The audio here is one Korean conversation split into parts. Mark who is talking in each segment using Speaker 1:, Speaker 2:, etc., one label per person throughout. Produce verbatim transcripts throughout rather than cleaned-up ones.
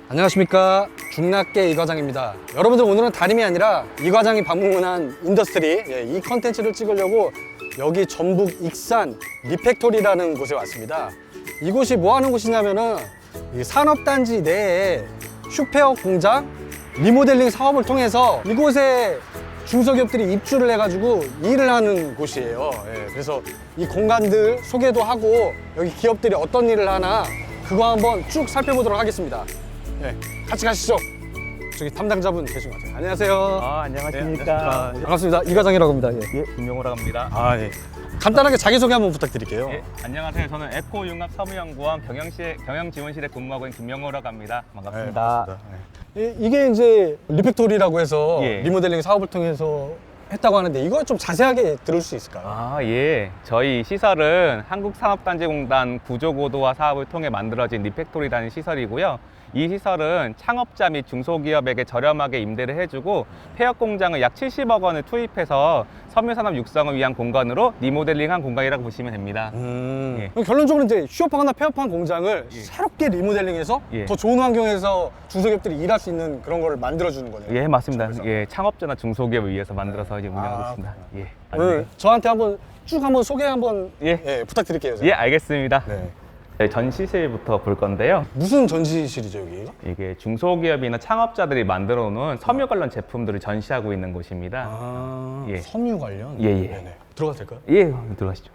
Speaker 1: 안녕하십니까, 중낙계 이과장입니다. 여러분들, 오늘은 다름이 아니라 이과장이 방문한 인더스트리, 예, 이 컨텐츠를 찍으려고 여기 전북 익산 리팩토리라는 곳에 왔습니다. 이곳이 뭐 하는 곳이냐면은 이 산업단지 내에 슈페어 공장 리모델링 사업을 통해서 이곳에 중소기업들이 입주를 해가지고 일을 하는 곳이에요. 예, 그래서 이 공간들 소개도 하고 여기 기업들이 어떤 일을 하나 그거 한번 쭉 살펴보도록 하겠습니다. 예, 같이 가시죠. 저기 담당자분 계신 것 같아요. 안녕하세요.
Speaker 2: 아, 안녕하십니까.
Speaker 1: 네, 반갑습니다. 이과장이라고 합니다. 예.
Speaker 2: 예, 김용호라고 합니다.
Speaker 1: 아, 예. 간단하게 자기소개 한번 부탁드릴게요.
Speaker 2: 예, 안녕하세요. 저는 에코융합사무연구원 경영실, 경영지원실에 근무하고 있는 김용호라고 합니다. 반갑습니다.
Speaker 1: 네, 반갑습니다. 예. 이- 이게 이제 리팩토리라고 해서
Speaker 2: 예.
Speaker 1: 리모델링 사업을 통해서 했다고 하는데 이거 좀 자세하게 들을 수 있을까요?
Speaker 2: 아, 예. 저희 시설은 한국산업단지공단 구조고도화 사업을 통해 만들어진 리팩토리라는 시설이고요. 이 시설은 창업자 및 중소기업에게 저렴하게 임대를 해주고 폐업 공장을 약 칠십억 원을 투입해서 섬유산업 육성을 위한 공간으로 리모델링한 공간이라고 보시면 됩니다.
Speaker 1: 음.
Speaker 2: 예.
Speaker 1: 그럼 결론적으로 이제 휴업하거나 폐업한 공장을
Speaker 2: 예.
Speaker 1: 새롭게 리모델링해서
Speaker 2: 예.
Speaker 1: 더 좋은 환경에서 중소기업들이 일할 수 있는 그런 거를 만들어주는 거네요.
Speaker 2: 예, 맞습니다.
Speaker 1: 그래서.
Speaker 2: 예, 창업자나 중소기업을 위해서 만들어서 이제 운영하고
Speaker 1: 아,
Speaker 2: 있습니다. 예.
Speaker 1: 오늘 저한테 한번 쭉 한번 소개 한번
Speaker 2: 예.
Speaker 1: 예, 부탁드릴게요. 제가.
Speaker 2: 예, 알겠습니다.
Speaker 1: 네.
Speaker 2: 네, 전시실부터 볼 건데요.
Speaker 1: 무슨 전시실이죠, 여기가?
Speaker 2: 이게 중소기업이나 창업자들이 만들어 놓은 섬유 관련 제품들을 전시하고 있는 곳입니다.
Speaker 1: 아,
Speaker 2: 예.
Speaker 1: 섬유 관련?
Speaker 2: 예, 예.
Speaker 1: 네네. 들어가도 될까요?
Speaker 2: 예, 들어가시죠.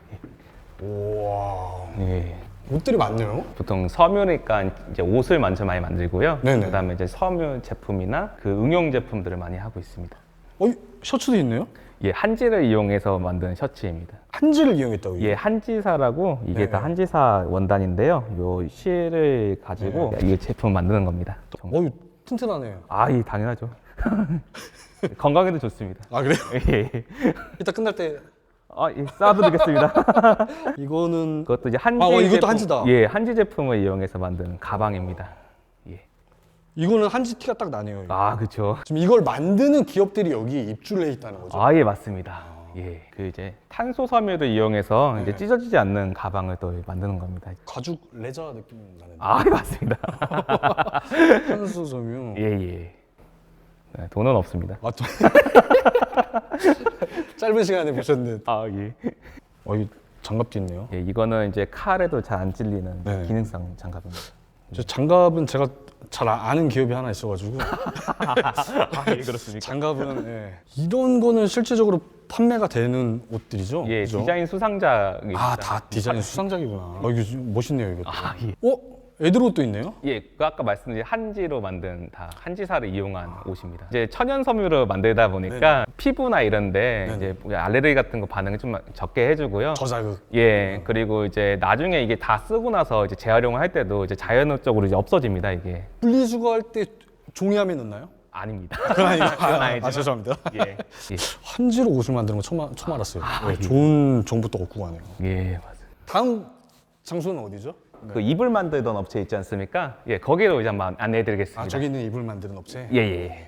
Speaker 1: 우와.
Speaker 2: 예. 예.
Speaker 1: 옷들이 많네요.
Speaker 2: 보통 섬유니까 이제 옷을 먼저 많이 만들고요.
Speaker 1: 네네.
Speaker 2: 그다음에 이제 섬유 제품이나 그 응용 제품들을 많이 하고 있습니다.
Speaker 1: 어, 셔츠도 있네요?
Speaker 2: 예, 한지를 이용해서 만든 셔츠입니다.
Speaker 1: 한지를 이용했다고.
Speaker 2: 예, 한지사라고 이게
Speaker 1: 네.
Speaker 2: 다 한지사 원단인데요. 요 실을 가지고 이 제품 만드는 겁니다.
Speaker 1: 어, 이거 튼튼하네요.
Speaker 2: 아, 예, 당연하죠. 건강에도 좋습니다.
Speaker 1: 아, 그래요?
Speaker 2: 예.
Speaker 1: 이따 끝날 때
Speaker 2: 아, 예, 쌓아드리겠습니다.
Speaker 1: 이거는
Speaker 2: 그것도 이제 한지
Speaker 1: 아, 어, 이것도
Speaker 2: 제품,
Speaker 1: 한지다.
Speaker 2: 예, 한지 제품을 이용해서 만든 가방입니다. 예.
Speaker 1: 이거는 한지 티가 딱 나네요. 이거.
Speaker 2: 아, 그렇죠.
Speaker 1: 지금 이걸 만드는 기업들이 여기 입주를 해 있다는 거죠.
Speaker 2: 아, 예, 맞습니다. 예, 그 이제 탄소 섬유를 이용해서 이제
Speaker 1: 네.
Speaker 2: 찢어지지 않는 가방을 또 만드는 겁니다.
Speaker 1: 가죽 레저 느낌 나는데.
Speaker 2: 아, 예, 맞습니다.
Speaker 1: 탄소 섬유.
Speaker 2: 예, 예. 네, 돈은 없습니다.
Speaker 1: 맞죠? 짧은 시간에 보셨는데.
Speaker 2: 아, 예.
Speaker 1: 어, 이 장갑도 있네요.
Speaker 2: 예, 이거는 이제 칼에도 잘 안 찔리는
Speaker 1: 네.
Speaker 2: 기능성 장갑입니다.
Speaker 1: 저 장갑은 제가 잘 아는 기업이 하나 있어가지고.
Speaker 2: 아, 예, 그렇습니까?
Speaker 1: 장갑은 예. 이런 거는 실제적으로 판매가 되는 옷들이죠?
Speaker 2: 예,
Speaker 1: 그죠?
Speaker 2: 디자인 수상작입니다.
Speaker 1: 아, 다 디자인 수상작이구나. 어, 이거 좀 멋있네요, 이것도.
Speaker 2: 아, 예.
Speaker 1: 어? 애들 옷도 있네요?
Speaker 2: 예, 그 아까 말씀드린 한지로 만든 다 한지사를 이용한 옷입니다. 이제 천연 섬유로 만들다 보니까 피부나 이런데
Speaker 1: 네네.
Speaker 2: 이제 뭐 알레르기 같은 거 반응을 좀 적게 해주고요.
Speaker 1: 저자극.
Speaker 2: 예, 그리고 이제 나중에 이게 다 쓰고 나서 이제 재활용을 할 때도 이제 자연적으로 이제 없어집니다, 이게.
Speaker 1: 분리수거할 때 종이함에 넣나요?
Speaker 2: 아닙니다.
Speaker 1: 그건 아니고.
Speaker 2: 그건
Speaker 1: 아,
Speaker 2: 아니지만.
Speaker 1: 아, 죄송합니다.
Speaker 2: 예, 예,
Speaker 1: 한지로 옷을 만드는 거 처음, 아- 처음 알았어요.
Speaker 2: 아,
Speaker 1: 네,
Speaker 2: 예.
Speaker 1: 좋은 정보 또 얻고 가네요.
Speaker 2: 예, 맞아요.
Speaker 1: 다음 장소는 어디죠?
Speaker 2: 그 이불 만들던 업체 있지 않습니까? 예, 거기로 이제 한번 안내해드리겠습니다.
Speaker 1: 아, 저기 있는 이불 만드는 업체?
Speaker 2: 예, 예, 예.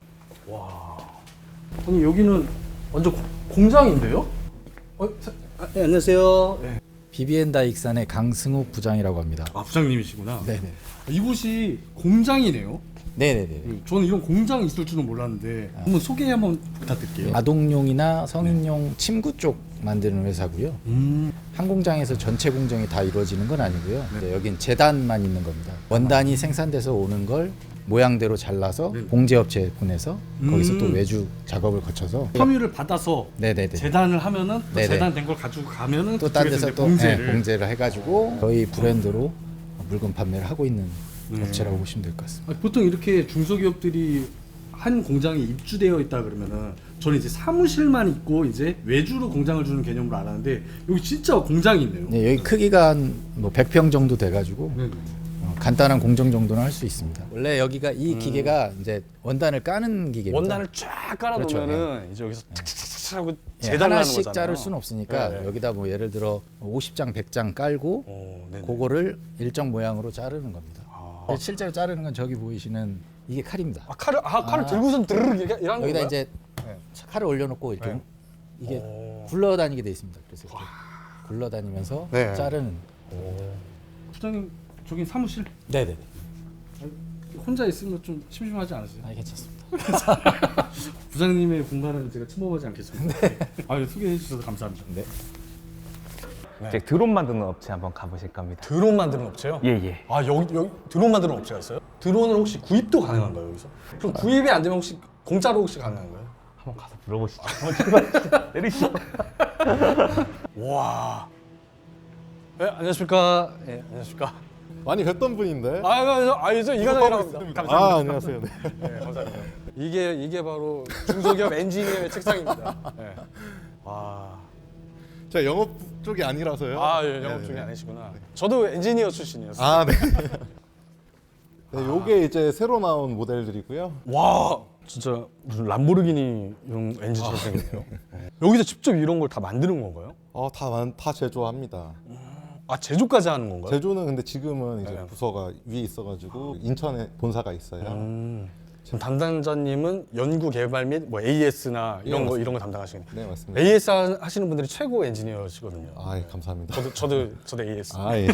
Speaker 1: 아니, 여기는 완전 고- 공장인데요? 어, 사- 아, 네, 안녕하세요. 네.
Speaker 3: 비비엔다 익산의 강승욱 부장이라고 합니다.
Speaker 1: 아, 부장님이시구나.
Speaker 3: 네네.
Speaker 1: 이곳이 공장이네요.
Speaker 3: 네네네.
Speaker 1: 저는 이런 공장이 있을 줄은 몰랐는데 한번 소개 한번 부탁드릴게요.
Speaker 3: 아동용이나 성인용 침구 쪽 만드는 회사고요.
Speaker 1: 음,
Speaker 3: 한 공장에서 전체 공정이 다 이루어지는 건 아니고요. 네, 여긴 재단만 있는 겁니다. 원단이 생산돼서 오는 걸 모양대로 잘라서
Speaker 1: 네.
Speaker 3: 봉제업체에 보내서 거기서
Speaker 1: 음.
Speaker 3: 또 외주 작업을 거쳐서
Speaker 1: 섬유를 받아서
Speaker 3: 네네네.
Speaker 1: 재단을 하면은 또
Speaker 3: 네네.
Speaker 1: 재단된 걸 가지고 가면은
Speaker 3: 또 딴
Speaker 1: 그쪽에서
Speaker 3: 데서
Speaker 1: 이제
Speaker 3: 또
Speaker 1: 봉제를
Speaker 3: 네, 봉제를 해가지고 저희 브랜드로 물건 판매를 하고 있는
Speaker 1: 네.
Speaker 3: 업체라고 보시면 될 것 같습니다.
Speaker 1: 아, 보통 이렇게 중소기업들이 한 공장에 입주되어 있다 그러면은 저는 이제 사무실만 있고 이제 외주로 공장을 주는 개념으로 알았는데 여기 진짜 공장이 있네요.
Speaker 3: 네, 여기 크기가 한뭐 백 평 정도 돼가지고
Speaker 1: 네.
Speaker 3: 어, 간단한 공정 정도는 할 수 있습니다. 원래 여기가 이 기계가 이제 원단을 까는 기계입니다.
Speaker 1: 원단을 쫙 깔아놓으면은 이제 여기서 착착착착 하고
Speaker 3: 예,
Speaker 1: 재단을 하는
Speaker 3: 하나씩
Speaker 1: 거잖아요.
Speaker 3: 자를 수는 없으니까
Speaker 1: 네, 네.
Speaker 3: 여기다 뭐 예를 들어 오십 장, 백 장 깔고
Speaker 1: 오, 네네.
Speaker 3: 그거를 일정 모양으로 자르는 겁니다.
Speaker 1: 아.
Speaker 3: 실제로 자르는 건 저기 보이시는 이게 칼입니다.
Speaker 1: 아, 칼을 아, 칼을
Speaker 3: 아.
Speaker 1: 들고선 드르륵 이렇게 이런
Speaker 3: 여기다
Speaker 1: 건가요?
Speaker 3: 이제
Speaker 1: 네.
Speaker 3: 칼을 올려놓고 이렇게
Speaker 1: 네.
Speaker 3: 이게
Speaker 1: 오.
Speaker 3: 굴러다니게 돼 있습니다. 그래서 이렇게 굴러다니면서
Speaker 1: 네.
Speaker 3: 자르는.
Speaker 1: 부장님 저기 사무실
Speaker 3: 네네네.
Speaker 1: 혼자 있으면 좀 심심하지 않으세요?
Speaker 3: 아, 괜찮습니다.
Speaker 1: 부장님의 공간은 제가 침범하지 않겠습니다. 네. 아, 소개해 주셔서 감사합니다.
Speaker 3: 네.
Speaker 2: 이제 드론 만드는 업체 한번 가보실 겁니다.
Speaker 1: 드론 만드는 업체요?
Speaker 2: 예, 예.
Speaker 1: 아, 여기, 여기 드론 만드는 업체가 있어요? 드론을 혹시 구입도 가능한가요, 여기서? 그럼 구입이 안 되면 혹시 공짜로 혹시 가능한가요?
Speaker 2: 한번 가서 물어보시죠. 한번 출발하시죠. 내리시죠.
Speaker 1: 와. 네, 안녕하십니까? 예, 안녕하십니까?
Speaker 4: 많이 뵀던 분인데.
Speaker 1: 아, 아, 아, 저 이과장이라고 합니다. 감사합니다.
Speaker 4: 아, 안녕하세요. 네.
Speaker 1: 네, 감사합니다. 이게 이게 바로 중소기업 엔지니어의 책상입니다. 네. 와.
Speaker 4: 제가 영업 쪽이 아니라서요.
Speaker 1: 아, 예, 영업
Speaker 4: 네,
Speaker 1: 중이
Speaker 4: 네.
Speaker 1: 아니시구나. 저도 엔지니어 출신이었어요.
Speaker 4: 아, 네. 네, 요게 이제 새로 나온 모델들이고요.
Speaker 1: 와, 진짜 무슨 람보르기니용 엔진처럼 생겼네요. 네. 여기서 직접 이런 걸 다 만드는 건가요?
Speaker 4: 어, 다, 만- 다 제조합니다.
Speaker 1: 아, 제조까지 하는 건가요?
Speaker 4: 제조는 근데 지금은 이제
Speaker 1: 네.
Speaker 4: 부서가 위에 있어가지고 인천에 본사가 있어요.
Speaker 1: 음, 지금 담당자님은 연구 개발 및 뭐 에이에스나 이런
Speaker 4: 예,
Speaker 1: 거
Speaker 4: 맞습니다.
Speaker 1: 이런 거 담당하시는.
Speaker 4: 네, 맞습니다.
Speaker 1: 에이에스 하- 하시는 분들이 최고 엔지니어시거든요.
Speaker 4: 아, 예, 감사합니다.
Speaker 1: 저도 저도 저도 에이에스.
Speaker 4: 아, 예.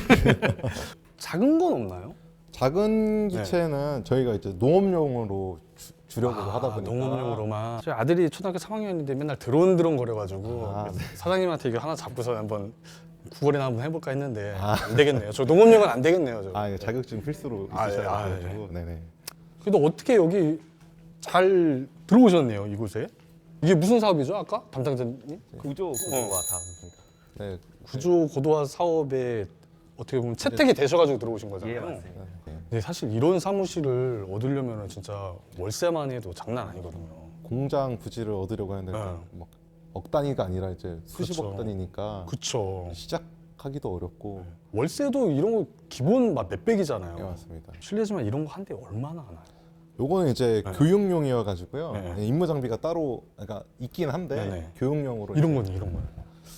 Speaker 1: 작은 건 없나요?
Speaker 4: 작은 기체는 저희가 이제 농업용으로 주, 주려고 하다 보니까
Speaker 1: 아, 농업용으로만. 저희 아들이 초등학교 삼 학년인데 맨날 드론 드론 거려가지고
Speaker 4: 아, 네.
Speaker 1: 사장님한테 이거 하나 잡고서 한번 구걸이나 한번 해볼까 했는데 안 되겠네요. 저 농업용은 안 되겠네요. 저.
Speaker 4: 아, 예, 자격증 필수로
Speaker 1: 아, 예,
Speaker 4: 있으셔야
Speaker 1: 아, 예.
Speaker 4: 돼가지고. 네네.
Speaker 1: 그래도 어떻게 여기 잘 들어오셨네요, 이곳에? 이게 무슨 사업이죠, 아까 담당자님?
Speaker 2: 구조 구조가 다입니다.
Speaker 4: 네,
Speaker 1: 구조 고도화 사업에 어떻게 보면 채택이 되셔가지고 들어오신 거잖아요.
Speaker 2: 예, 맞습니다.
Speaker 4: 네.
Speaker 1: 근데 사실 이런 사무실을 얻으려면 진짜 월세만 해도 장난 아니거든요.
Speaker 4: 공장 부지를 얻으려고 하는데
Speaker 1: 네.
Speaker 4: 막 억 단위가 아니라 이제 수십억
Speaker 1: 그렇죠.
Speaker 4: 단위니까
Speaker 1: 그쵸.
Speaker 4: 시작하기도 어렵고.
Speaker 1: 월세도 이런 거 기본 막 몇백이잖아요.
Speaker 4: 네, 맞습니다.
Speaker 1: 실례지만 이런 거 한 대 얼마나 하나요?
Speaker 4: 요거는 이제
Speaker 1: 네.
Speaker 4: 교육용이어 가지고요.
Speaker 1: 네.
Speaker 4: 임무 장비가 따로 그러니까 있긴 한데
Speaker 1: 네네.
Speaker 4: 교육용으로
Speaker 1: 이런
Speaker 4: 이제
Speaker 1: 거는 이런 거는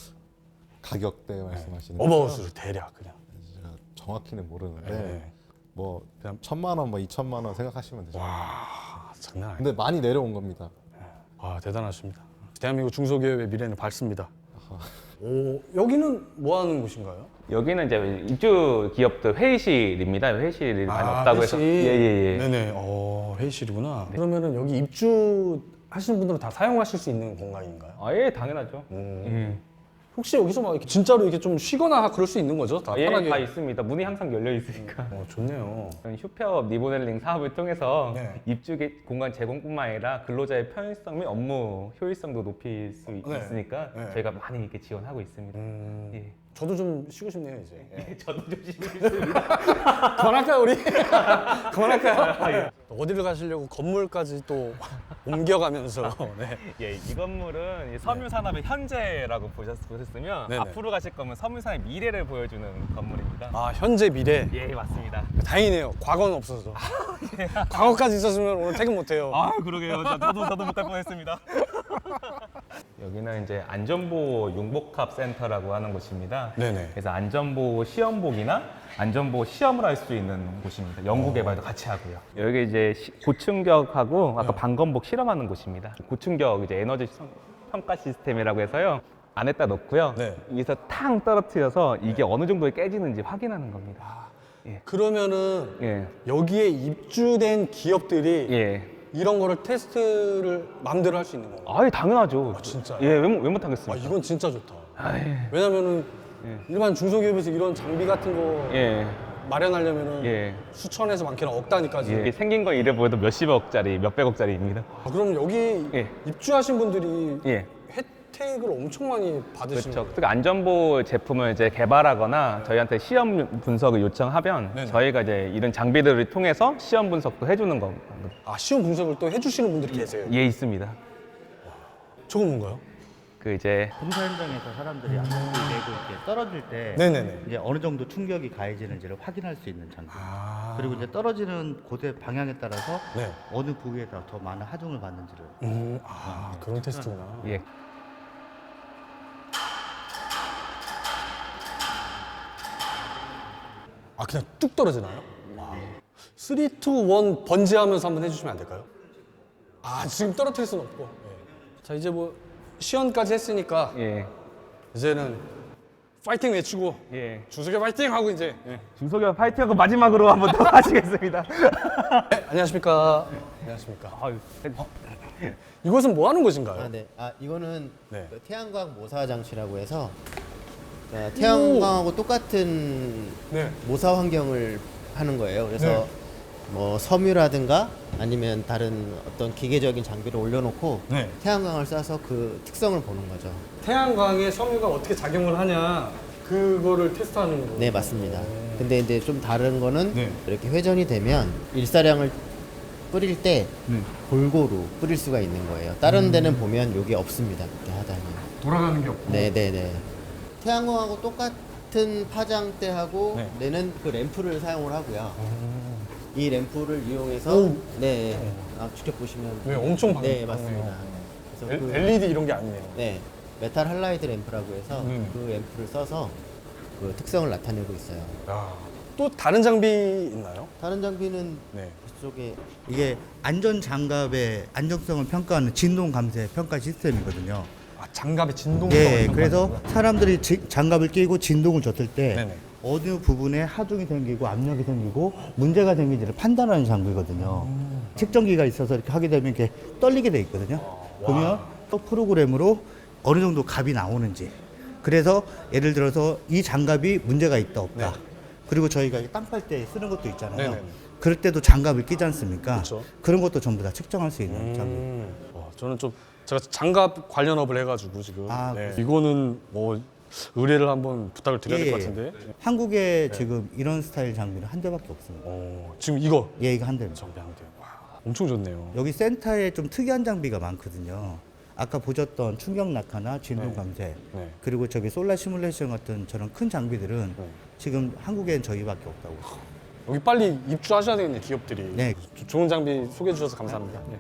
Speaker 4: 가격대 말씀하시는
Speaker 1: 어바웃을 대략 그냥.
Speaker 4: 제가 정확히는 모르는데
Speaker 1: 네.
Speaker 4: 뭐
Speaker 1: 그냥-
Speaker 4: 천만 원, 뭐 이천만 원 생각하시면 되죠.
Speaker 1: 와, 장난 아니에요.
Speaker 4: 근데 많이 내려온 겁니다.
Speaker 1: 아, 대단하십니다. 대한민국 중소기업의 미래는 밝습니다. 오, 여기는 뭐 하는 곳인가요?
Speaker 2: 여기는 이제 입주 기업들 회의실입니다. 회의실이 많이
Speaker 1: 아,
Speaker 2: 없다고 해서.
Speaker 1: 회의실.
Speaker 2: 예예예.
Speaker 1: 네네. 어, 회의실이구나. 그러면은 여기 입주 하시는 분들은 다 사용하실 수 있는 공간인가요?
Speaker 2: 아, 예, 당연하죠.
Speaker 1: 음.
Speaker 2: 예.
Speaker 1: 혹시 여기서 막 이렇게 진짜로 이렇게 좀 쉬거나 그럴 수 있는 거죠? 다
Speaker 2: 예,
Speaker 1: 편하게.
Speaker 2: 다 있습니다. 문이 항상 열려 있으니까.
Speaker 1: 어, 좋네요.
Speaker 2: 저는 휴폐업 리모델링 사업을 통해서
Speaker 1: 네.
Speaker 2: 입주 개- 공간 제공뿐만 아니라 근로자의 편의성 및 업무 효율성도 높일 수 있-
Speaker 1: 네.
Speaker 2: 있으니까
Speaker 1: 네.
Speaker 2: 저희가 많이 이렇게 지원하고 있습니다.
Speaker 1: 음,
Speaker 2: 예.
Speaker 1: 저도 좀 쉬고 싶네요 이제. 예.
Speaker 2: 저도 좀 심했습니다.
Speaker 1: 그만할까요 우리? 그만할까요? 어디를 가시려고 건물까지 또 옮겨가면서. 네.
Speaker 2: 예, 이 건물은 이 섬유산업의 현재라고 보셨, 보셨으면
Speaker 1: 네네.
Speaker 2: 앞으로 가실 거면 섬유산업의 미래를 보여주는 건물입니다.
Speaker 1: 아, 현재 미래.
Speaker 2: 예, 맞습니다.
Speaker 1: 다행이네요. 과거는 없어서. 과거까지 있었으면 오늘 퇴근 못해요.
Speaker 2: 아, 그러게요. 저도 저도 못할 뻔했습니다. 여기는 이제 안전보호 융복합 센터라고 하는 곳입니다.
Speaker 1: 네네.
Speaker 2: 그래서 안전보호 시험복이나 안전보호 시험을 할 수 있는 곳입니다. 연구 개발도 같이 하고요. 여기 이제 시- 고충격하고 아까
Speaker 1: 네.
Speaker 2: 방검복 실험하는 곳입니다. 고충격 이제 에너지 성- 평가 시스템이라고 해서요. 안에다 넣고요.
Speaker 1: 네.
Speaker 2: 위에서 탕 떨어뜨려서 이게 어느 정도에 깨지는지 확인하는 겁니다.
Speaker 1: 그러면은
Speaker 2: 예.
Speaker 1: 여기에 입주된 기업들이
Speaker 2: 예.
Speaker 1: 이런 거를 테스트를 마음대로 할 수 있는 건가요?
Speaker 2: 아예 당연하죠.
Speaker 1: 아, 진짜요?
Speaker 2: 예, 왜, 못- 왜 못하겠습니까?
Speaker 1: 아, 이건 진짜 좋다.
Speaker 2: 아, 예.
Speaker 1: 왜냐면은
Speaker 2: 예.
Speaker 1: 일반 중소기업에서 이런 장비 같은 거
Speaker 2: 예.
Speaker 1: 마련하려면은
Speaker 2: 예.
Speaker 1: 수천에서 많게는 억 단위까지.
Speaker 2: 예. 생긴 거 이래 보여도 몇십억짜리, 몇백억짜리입니다.
Speaker 1: 아, 그럼 여기
Speaker 2: 예.
Speaker 1: 입주하신 분들이
Speaker 2: 예.
Speaker 1: 혜택을 엄청 많이 받으시는
Speaker 2: 그렇죠.
Speaker 1: 거예요.
Speaker 2: 특히 안전보호 제품을 이제 개발하거나 저희한테 시험 분석을 요청하면
Speaker 1: 네네.
Speaker 2: 저희가 이제 이런 장비들을 통해서 시험 분석도 해주는 겁니다.
Speaker 1: 아, 시험 분석을 또 해주시는 분들이 계세요.
Speaker 2: 예, 있습니다.
Speaker 1: 저건 뭔가요?
Speaker 2: 그 이제
Speaker 5: 공사 현장에서 사람들이 안전을 내고 이렇게 떨어질 때
Speaker 1: 네네네.
Speaker 5: 이제 어느 정도 충격이 가해지는지를 확인할 수 있는 장비.
Speaker 1: 아.
Speaker 5: 그리고 이제 떨어지는 곳의 방향에 따라서
Speaker 1: 네.
Speaker 5: 어느 부위에서 더 많은 하중을 받는지를.
Speaker 1: 음, 아, 그런 테스트구나.
Speaker 2: 예.
Speaker 1: 아, 그냥 뚝 떨어지나요? 삼, 이, 일 번지하면서 한번 해주시면 안 될까요? 아, 지금 떨어뜨릴 수는 없고. 예. 자, 이제 뭐 시연까지 했으니까
Speaker 2: 예.
Speaker 1: 이제는 파이팅 외치고
Speaker 2: 예.
Speaker 1: 준석이 파이팅 하고 이제. 예.
Speaker 2: 중소기업 파이팅하고 마지막으로 한번 더 하시겠습니다.
Speaker 1: 네, 안녕하십니까. 안녕하십니까.
Speaker 2: 아유,
Speaker 1: 이곳은 뭐 하는 곳인가요?
Speaker 6: 아, 네. 아, 이거는
Speaker 1: 네.
Speaker 6: 그 태양광 모사 장치라고 해서 자, 태양광하고 똑같은
Speaker 1: 네.
Speaker 6: 모사 환경을 하는 거예요. 그래서
Speaker 1: 네.
Speaker 6: 뭐 섬유라든가 아니면 다른 어떤 기계적인 장비를 올려놓고
Speaker 1: 네.
Speaker 6: 태양광을 쏴서 그 특성을 보는 거죠.
Speaker 1: 태양광에 섬유가 어떻게 작용을 하냐 그거를 테스트하는 거예요.
Speaker 6: 네, 맞습니다. 근데 이제 좀 다른 거는
Speaker 1: 네.
Speaker 6: 이렇게 회전이 되면 일사량을 뿌릴 때
Speaker 1: 네.
Speaker 6: 골고루 뿌릴 수가 있는 거예요. 다른 데는 보면 여기 없습니다. 그렇게 하다니.
Speaker 1: 돌아가는 게 없고.
Speaker 6: 네, 네, 네. 태양광하고 똑같은 파장대하고
Speaker 1: 네.
Speaker 6: 내는 그 램프를 사용을 하고요. 이 램프를 이용해서
Speaker 1: 오.
Speaker 6: 네, 아, 직접 보시면
Speaker 1: 네, 엄청 방.
Speaker 6: 네, 맞습니다. 그래서
Speaker 1: 엘-
Speaker 6: 그,
Speaker 1: 엘이디 이런 게 아니네요.
Speaker 6: 네, 메탈 할라이드 램프라고 해서
Speaker 1: 음.
Speaker 6: 그 램프를 써서 그 특성을 나타내고 있어요.
Speaker 1: 야, 또 다른 장비 있나요?
Speaker 6: 다른 장비는
Speaker 1: 네.
Speaker 6: 그쪽에
Speaker 5: 이게 안전 장갑의 안정성을 평가하는 진동 감쇄 평가 시스템이거든요.
Speaker 1: 아, 장갑의 진동성을
Speaker 5: 예,
Speaker 1: 평가하는
Speaker 5: 그래서
Speaker 1: 거구나.
Speaker 5: 사람들이 지- 장갑을 끼고 진동을 줬을 때
Speaker 1: 네네.
Speaker 5: 어느 부분에 하중이 생기고 압력이 생기고 문제가 생긴지를 판단하는 장비거든요.
Speaker 1: 음.
Speaker 5: 측정기가 있어서 이렇게 하게 되면 이렇게 떨리게 돼 있거든요. 보면 또 프로그램으로 어느 정도 값이 나오는지. 그래서 예를 들어서 이 장갑이 문제가 있다 없다.
Speaker 1: 네.
Speaker 5: 그리고 저희가 땅 팔 때 쓰는 것도 있잖아요.
Speaker 1: 네네네.
Speaker 5: 그럴 때도 장갑을 끼지 않습니까?
Speaker 1: 그쵸.
Speaker 5: 그런 것도 전부 다 측정할 수 있는 장비.
Speaker 1: 음. 와, 저는 좀 제가 장갑 관련업을 해가지고 지금
Speaker 5: 아,
Speaker 1: 네.
Speaker 5: 그러세요?
Speaker 1: 이거는 뭐 의뢰를 한번 부탁을 드려야 될
Speaker 5: 예,
Speaker 1: 것
Speaker 5: 예.
Speaker 1: 같은데.
Speaker 5: 한국에 지금 이런 스타일 장비는 한 대밖에 없습니다.
Speaker 1: 어, 지금 이거
Speaker 5: 예, 이거 한 대입니다.
Speaker 1: 장비 한 대. 와, 엄청 좋네요.
Speaker 5: 여기 센터에 좀 특이한 장비가 많거든요. 아까 보셨던 충격 낙하나 진동
Speaker 1: 네.
Speaker 5: 감쇄,
Speaker 1: 네.
Speaker 5: 그리고 저기 솔라 시뮬레이션 같은 저런 큰 장비들은
Speaker 1: 네.
Speaker 5: 지금 한국엔 저희밖에 없다고.
Speaker 1: 여기 빨리 입주하셔야 되겠네 기업들이.
Speaker 5: 네.
Speaker 1: 조- 좋은 장비 소개해 주셔서 감사합니다. 네.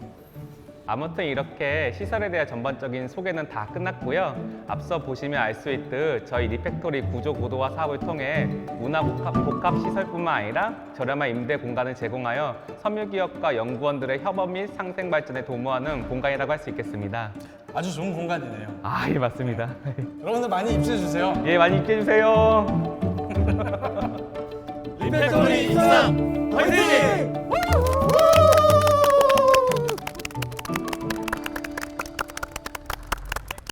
Speaker 2: 아무튼 이렇게 시설에 대한 전반적인 소개는 다 끝났고요. 앞서 보시면 알 수 있듯 저희 리팩토리 구조 고도화 사업을 통해 문화 복합, 복합 시설뿐만 아니라 저렴한 임대 공간을 제공하여 섬유기업과 연구원들의 협업 및 상생 발전에 도모하는 공간이라고 할 수 있겠습니다.
Speaker 1: 아주 좋은 공간이네요.
Speaker 2: 아, 예, 맞습니다.
Speaker 1: 여러분들 많이 입주해 주세요.
Speaker 2: 예, 많이 입게 해주세요.
Speaker 1: 리팩토리 입상 화이팅!